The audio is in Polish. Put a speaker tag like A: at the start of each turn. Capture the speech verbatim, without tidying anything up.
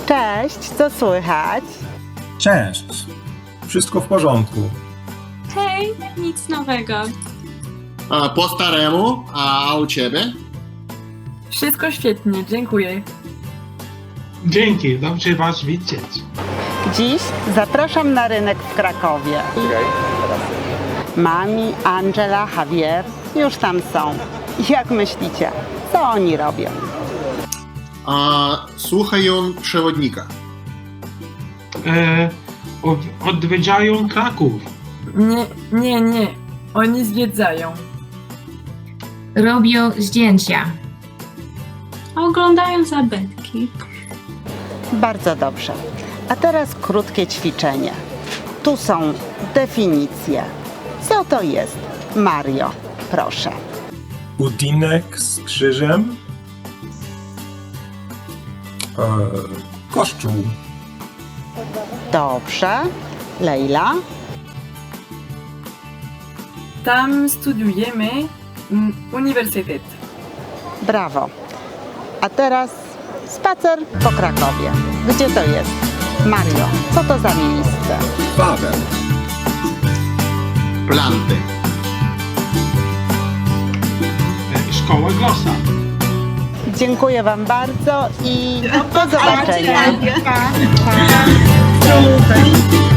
A: Cześć, co słychać?
B: Cześć. Wszystko w porządku.
C: Hej, nic nowego.
D: A, po staremu, a u ciebie?
E: Wszystko świetnie, dziękuję.
F: Dzięki, dobrze Was widzieć.
A: Dziś zapraszam na rynek w Krakowie. Mami, Angela, Javier już tam są. Jak myślicie, co oni robią?
D: A, słuchają przewodnika.
F: E, od- odwiedzają Kraków.
E: Nie, nie, nie. Oni zwiedzają.
G: Robią zdjęcia.
C: Oglądają zabytki.
A: Bardzo dobrze. A teraz krótkie ćwiczenie. Tu są definicje. Co to jest? Mario, proszę.
B: Budynek z krzyżem. E, kościół.
A: Dobrze. Leila?
E: Tam studiujemy mm, uniwersytet.
A: Brawo. A teraz spacer po Krakowie. Gdzie to jest? Mario, co to za miejsce?
B: Wawel.
D: Planty.
F: E, szkoła Glossa.
A: Dziękuję Wam bardzo i do zobaczenia.
H: Super.